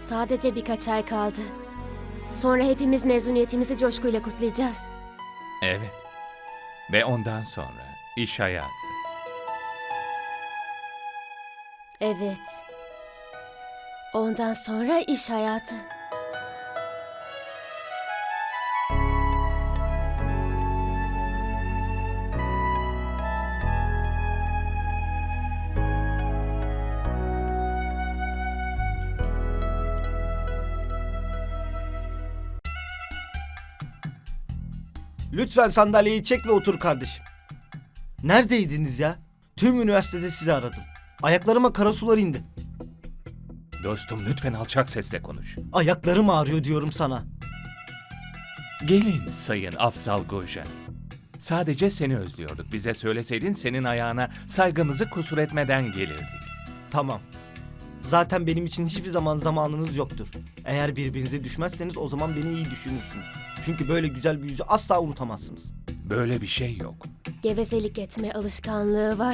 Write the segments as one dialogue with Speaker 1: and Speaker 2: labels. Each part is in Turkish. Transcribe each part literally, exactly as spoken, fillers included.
Speaker 1: Sadece birkaç ay kaldı. Sonra hepimiz mezuniyetimizi coşkuyla kutlayacağız.
Speaker 2: Evet. Ve ondan sonra iş hayatı.
Speaker 1: Evet. Ondan sonra iş hayatı.
Speaker 3: Lütfen sandalyeyi çek ve otur kardeşim. Neredeydiniz ya? Tüm üniversitede sizi aradım. Ayaklarıma kara sular indi.
Speaker 2: Dostum lütfen alçak sesle konuş.
Speaker 3: Ayaklarım ağrıyor diyorum sana.
Speaker 2: Gelin Sayın Afzal Gojan. Sadece seni özlüyorduk. Bize söyleseydin senin ayağına saygımızı kusur etmeden gelirdik.
Speaker 3: Tamam. Zaten benim için hiçbir zaman zamanınız yoktur. Eğer birbirinize düşmezseniz o zaman beni iyi düşünürsünüz. Çünkü böyle güzel bir yüzü asla unutamazsınız.
Speaker 2: Böyle bir şey yok.
Speaker 1: Gevezelik etme alışkanlığı var.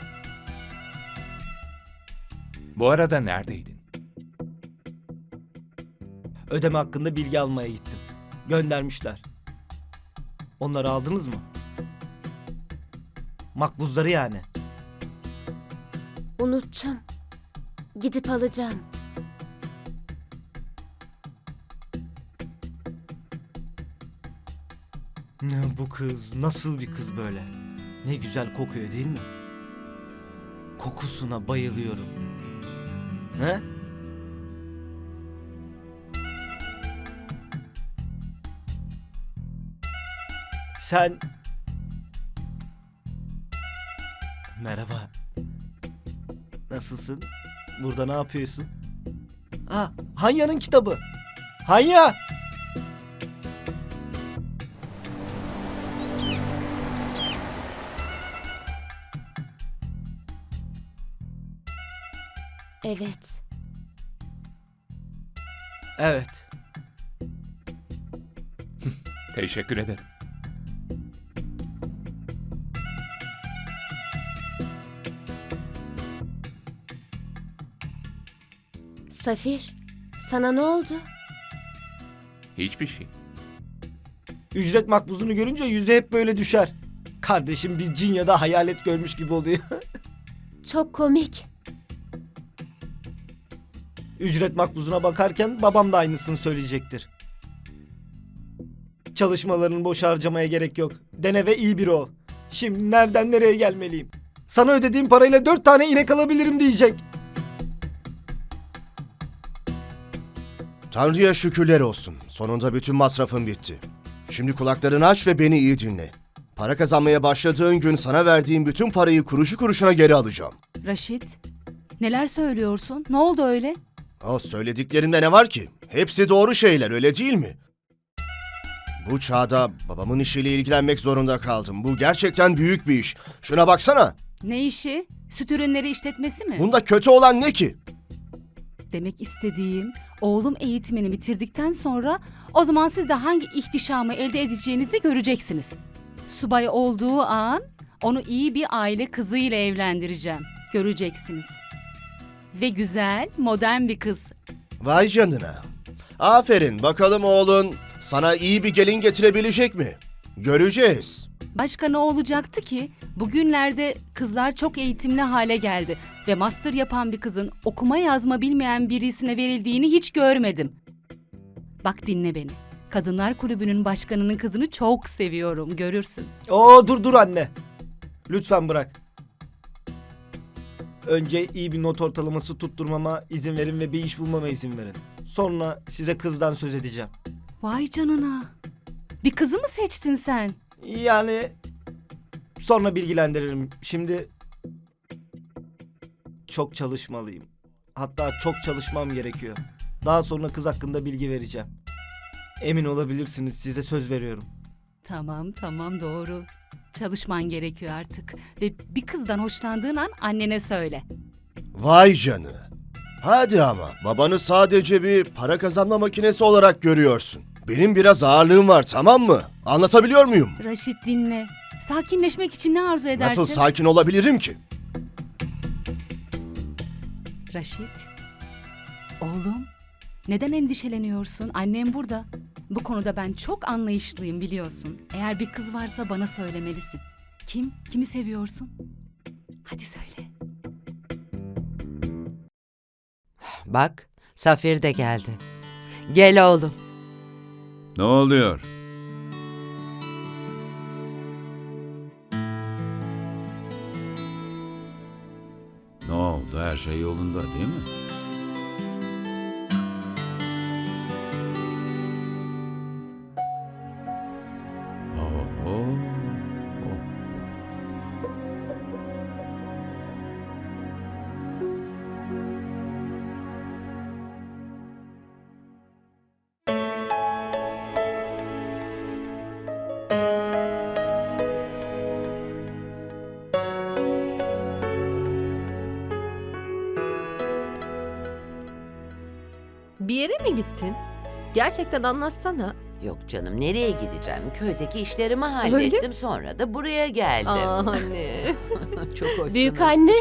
Speaker 2: Bu arada neredeydin?
Speaker 3: Ödeme hakkında bilgi almaya gittim. Göndermişler. Onları aldınız mı? Makbuzları yani.
Speaker 1: Unuttum. Gidip alacağım.
Speaker 3: Ne bu kız? Nasıl bir kız böyle? Ne güzel kokuyor değil mi? Kokusuna bayılıyorum. He? Sen... Merhaba. Nasılsın? Burada ne yapıyorsun? Ha, Hanya'nın kitabı. Hanya!
Speaker 1: Evet.
Speaker 3: Evet.
Speaker 2: Teşekkür ederim.
Speaker 1: Safir, sana ne oldu?
Speaker 2: Hiçbir şey.
Speaker 3: Ücret makbuzunu görünce yüzü hep böyle düşer. Kardeşim bir cin ya da hayalet görmüş gibi oluyor.
Speaker 1: Çok komik.
Speaker 3: Ücret makbuzuna bakarken babam da aynısını söyleyecektir. Çalışmalarını boş harcamaya gerek yok. Dene ve iyi biri ol. Şimdi nereden nereye gelmeliyim? Sana ödediğim parayla dört tane inek alabilirim diyecek.
Speaker 4: Tanrı'ya şükürler olsun. Sonunda bütün masrafım bitti. Şimdi kulaklarını aç ve beni iyi dinle. Para kazanmaya başladığın gün sana verdiğim bütün parayı kuruşu kuruşuna geri alacağım.
Speaker 5: Raşit, neler söylüyorsun? Ne oldu öyle?
Speaker 4: O söylediklerinde ne var ki? Hepsi doğru şeyler, öyle değil mi? Bu çağda babamın işiyle ilgilenmek zorunda kaldım. Bu gerçekten büyük bir iş. Şuna baksana.
Speaker 5: Ne işi? Süt ürünleri işletmesi mi?
Speaker 4: Bunda kötü olan ne ki?
Speaker 5: Demek istediğim, oğlum eğitimini bitirdikten sonra o zaman siz de hangi ihtişamı elde edeceğinizi göreceksiniz. Subay olduğu an onu iyi bir aile kızıyla evlendireceğim. Göreceksiniz. Ve güzel, modern bir kız.
Speaker 4: Vay canına. Aferin, bakalım oğlun sana iyi bir gelin getirebilecek mi? Göreceğiz.
Speaker 5: Başka ne olacaktı ki? Bugünlerde kızlar çok eğitimli hale geldi ve master yapan bir kızın okuma yazma bilmeyen birisine verildiğini hiç görmedim. Bak dinle beni. Kadınlar Kulübü'nün başkanının kızını çok seviyorum, görürsün.
Speaker 3: Oo dur dur anne. Lütfen bırak. Önce iyi bir not ortalaması tutturmama izin verin ve bir iş bulmama izin verin. Sonra size kızdan söz edeceğim.
Speaker 5: Vay canına. Bir kızı mı seçtin sen?
Speaker 3: Yani sonra bilgilendiririm. Şimdi çok çalışmalıyım. Hatta çok çalışmam gerekiyor. Daha sonra kız hakkında bilgi vereceğim. Emin olabilirsiniz, size söz veriyorum.
Speaker 5: Tamam tamam doğru. Çalışman gerekiyor artık. Ve bir kızdan hoşlandığın an annene söyle.
Speaker 4: Vay canına. Hadi ama babanı sadece bir para kazanma makinesi olarak görüyorsun. Benim biraz ağırlığım var, tamam mı? Anlatabiliyor muyum?
Speaker 5: Raşit dinle. Sakinleşmek için ne arzu edersin?
Speaker 4: Nasıl sakin olabilirim ki?
Speaker 5: Raşit. Oğlum, Neden endişeleniyorsun? Annem burada. Bu konuda ben çok anlayışlıyım biliyorsun. Eğer bir kız varsa bana söylemelisin. Kim? Kimi seviyorsun? Hadi söyle.
Speaker 6: Bak, Safir de geldi. Gel oğlum.
Speaker 7: Ne oluyor? Ne oldu? Her şey yolunda değil mi? Oo.
Speaker 8: Bir yere mi gittin? Gerçekten anlatsana.
Speaker 9: Yok canım, nereye gideceğim? Köydeki işlerimi
Speaker 8: Öyle
Speaker 9: hallettim, sonra da buraya geldim.
Speaker 8: Aa anne.
Speaker 9: Çok hoşsunuz.
Speaker 1: Büyük anne,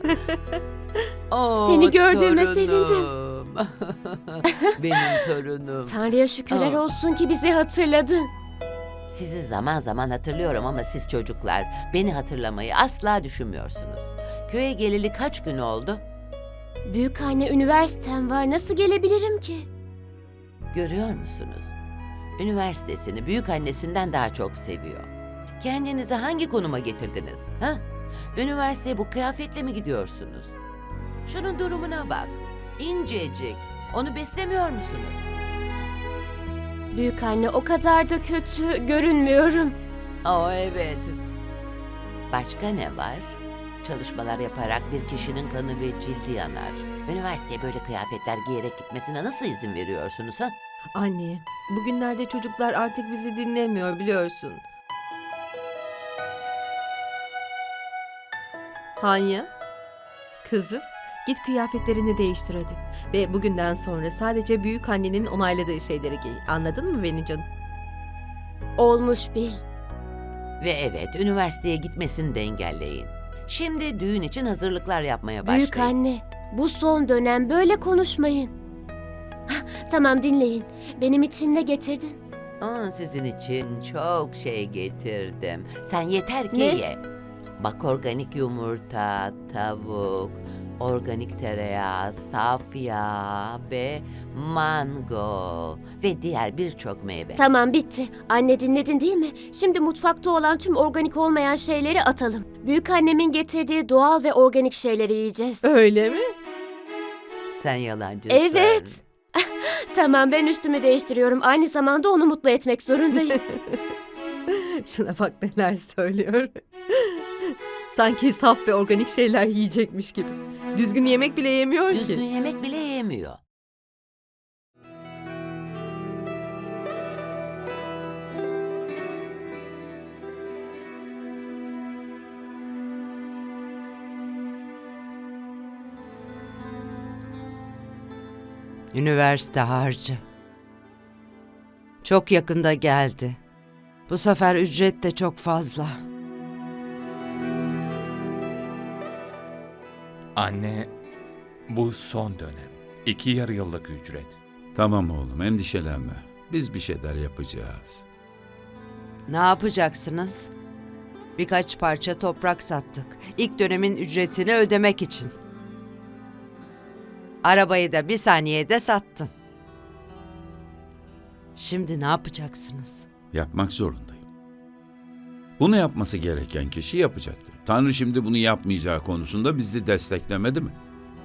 Speaker 9: Oo,
Speaker 1: seni gördüğüme
Speaker 9: torunum.
Speaker 1: sevindim.
Speaker 9: Benim torunum.
Speaker 1: Tanrı'ya şükürler
Speaker 9: Aa.
Speaker 1: olsun ki bizi hatırladın.
Speaker 9: Sizi zaman zaman hatırlıyorum ama siz çocuklar beni hatırlamayı asla düşünmüyorsunuz. Köye geleli kaç gün oldu?
Speaker 1: Büyük anne, üniversitem var. Nasıl gelebilirim ki?
Speaker 9: Görüyor musunuz? Üniversitesini büyük annesinden daha çok seviyor. Kendinizi hangi konuma getirdiniz? Ha? Üniversiteye bu kıyafetle mi gidiyorsunuz? Şunun durumuna bak. İncecik. Onu beslemiyor musunuz?
Speaker 1: Büyük anne, o kadar da kötü görünmüyorum.
Speaker 9: Aa evet. Başka ne var? Çalışmalar yaparak bir kişinin kanı ve cildi yanar. Üniversiteye böyle kıyafetler giyerek gitmesine nasıl izin veriyorsunuz ha?
Speaker 8: Anne, bugünlerde çocuklar artık bizi dinlemiyor biliyorsun. Hanya, kızım git kıyafetlerini değiştir hadi. Ve bugünden sonra sadece büyük annenin onayladığı şeyleri giy. Anladın mı beni canım?
Speaker 1: Olmuş bil.
Speaker 9: Ve evet, üniversiteye gitmesini de engelleyin. Şimdi düğün için hazırlıklar yapmaya başlayın.
Speaker 1: Büyük anne, bu son dönem böyle konuşmayın. Hah, tamam, dinleyin. Benim için ne getirdin?
Speaker 9: Aa, sizin için çok şey getirdim. Sen yeter ki
Speaker 1: Ne?
Speaker 9: ye. Bak, organik yumurta, tavuk, organik tereyağı, saf yağ ve mango ve diğer birçok meyve.
Speaker 1: Tamam, bitti. Anne, dinledin değil mi? Şimdi mutfakta olan tüm organik olmayan şeyleri atalım. Büyük annemin getirdiği doğal ve organik şeyleri yiyeceğiz.
Speaker 8: Öyle mi?
Speaker 9: Sen yalancısın.
Speaker 1: Evet. Tamam, ben üstümü değiştiriyorum. Aynı zamanda onu mutlu etmek zorundayım.
Speaker 8: Şuna bak neler söylüyor. Sanki saf ve organik şeyler yiyecekmiş gibi. Düzgün yemek bile yemiyor
Speaker 9: Düzgün
Speaker 8: ki.
Speaker 9: yemek bile yemiyor.
Speaker 6: Üniversite harcı. Çok yakında geldi. Bu sefer ücret de çok fazla.
Speaker 2: Anne, bu son dönem. İki yarı yıllık ücret.
Speaker 7: Tamam oğlum, endişelenme. Biz bir şeyler yapacağız.
Speaker 6: Ne yapacaksınız? Birkaç parça toprak sattık. İlk dönemin ücretini ödemek için. Arabayı da bir saniyede sattım. Şimdi ne yapacaksınız?
Speaker 7: Yapmak zorundayım. Bunu yapması gereken kişi yapacaktır. Tanrı şimdi bunu yapmayacağı konusunda bizi desteklemedi mi?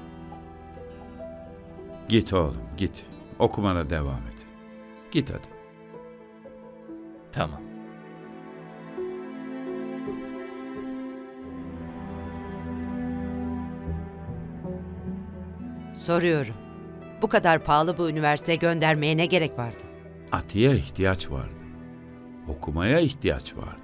Speaker 7: Git oğlum, git. Okumana devam et. Git hadi.
Speaker 2: Tamam.
Speaker 6: Soruyorum. Bu kadar pahalı bu üniversiteye göndermeye ne gerek vardı?
Speaker 7: Atiye ihtiyaç vardı. Okumaya ihtiyaç vardı.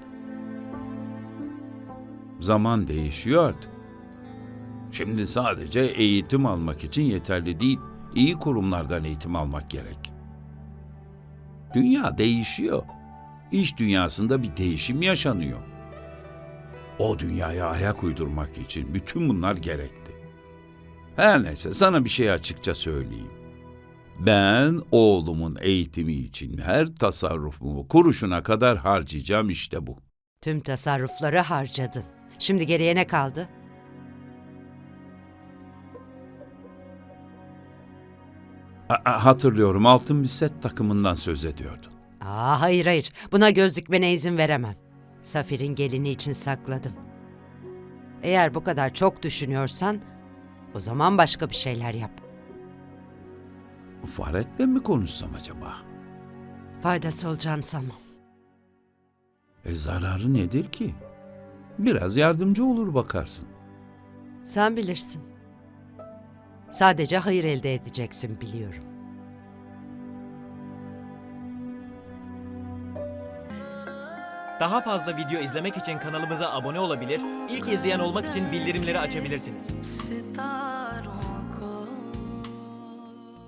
Speaker 7: Zaman değişiyor artık. Şimdi sadece eğitim almak için yeterli değil, iyi kurumlardan eğitim almak gerek. Dünya değişiyor. İş dünyasında bir değişim yaşanıyor. O dünyaya ayak uydurmak için bütün bunlar gerekti. Her neyse, sana bir şey açıkça söyleyeyim. Ben oğlumun eğitimi için her tasarrufumu kuruşuna kadar harcayacağım, işte bu.
Speaker 6: Tüm tasarrufları harcadın. Şimdi geriye ne kaldı?
Speaker 7: A- a- hatırlıyorum, altın bir set takımından söz ediyordun.
Speaker 6: Aa, hayır hayır. Buna göz dikmene izin veremem. Safir'in gelini için sakladım. Eğer bu kadar çok düşünüyorsan o zaman başka bir şeyler yap.
Speaker 7: Faret'le mi konuşsam acaba?
Speaker 6: Faydası olacağını sanmam.
Speaker 7: E zararı nedir ki? Biraz yardımcı olur bakarsın.
Speaker 6: Sen bilirsin. Sadece hayır elde edeceksin biliyorum.
Speaker 10: Daha fazla video izlemek için kanalımıza abone olabilir, ilk izleyen olmak için bildirimleri açabilirsiniz.